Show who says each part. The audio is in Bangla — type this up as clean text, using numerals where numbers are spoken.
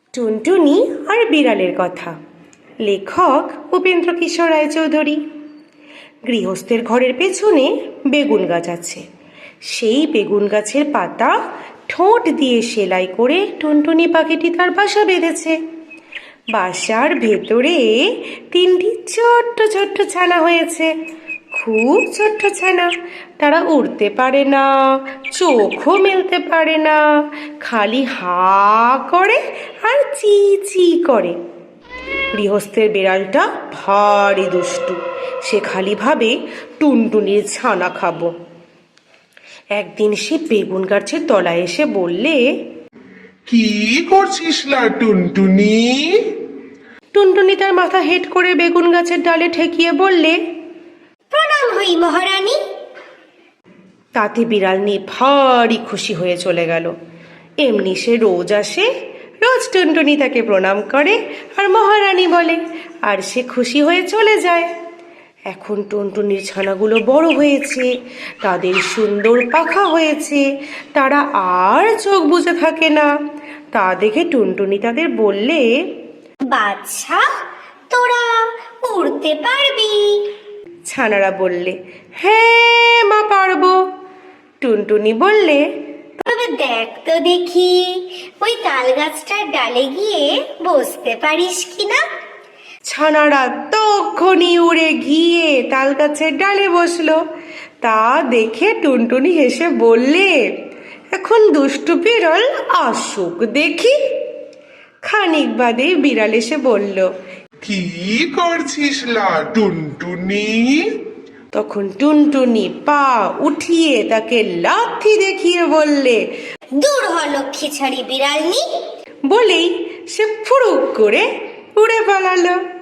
Speaker 1: টুনটুনি আর বিড়ালের কথা, লেখক উপেন্দ্র কিশোর রায়চৌধুরী। গৃহস্থের ঘরের পেছনে বেগুন গাছ আছে। সেই বেগুন গাছের পাতা ঠোঁট দিয়ে সেলাই করে টুনটুনি পাখিটি তার বাসা বেঁধেছে। বাসার ভেতরে 3টি ছোট্ট ছোট্ট ছানা হয়েছে, খুব ছোট্ট ছানা। তারা উড়তে পারে না, চোখও মেলতে পারে না, খালি হা করে আর চি চি করে। গৃহস্থের বিড়ালটা ভারী দুষ্টু, সে খালি ভাবে টুনটুনির ছানা খাবো। একদিন সে বেগুন গাছের তলায় এসে বললে,
Speaker 2: কি করছিস লা টুনটুনি?
Speaker 1: টুনটুনি তার মাথা হেঁট করে বেগুন গাছের ডালে ঠেকিয়ে বললে,
Speaker 3: প্রণাম হই মহারানী।
Speaker 1: তাতে বিড়ালনি ভারী খুশি হয়ে চলে গেল। এমনি সে রোজ আসে, রোজ টুনটুনি তাকে প্রণাম করে আর মহারানী বলে, আর সে খুশি হয়ে চলে যায়। এখন টুনটুনির ছানাগুলো বড় হয়েছে, তাদের সুন্দর পাখা হয়েছে, তারা আর চোখ বুজে থাকে না। তা দেখে টুনটুনি তাদের বললে,
Speaker 3: বাচ্চা, তোরা উড়তে পারবি?
Speaker 1: ছানারা বললে, হ্যাঁ মা পারবো। টুনটুনি বললে,
Speaker 3: তবে দেখ তো দেখি ওই তাল গাছটার ডালে গিয়ে বসতে পারিস কিনা।
Speaker 1: ছানারা তখনই উড়ে গিয়ে তাল গাছের ডালে বসলো। তা দেখে টুনটুনি হেসে বললে, এখন দুষ্টু বিড়াল আসুক দেখি। খানিক বাদে বিড়াল এসে বলল,
Speaker 2: কি করছিস লা টুনটুনি?
Speaker 1: তখন টুনটুনি পা উঠিয়ে তাকে লাথি দেখিয়ে বললে,
Speaker 3: দূর হ লক্ষ্মী ছাড়ি বিড়ালনি।
Speaker 1: বলেই সে ফুরুক করে উড়ে পালালো।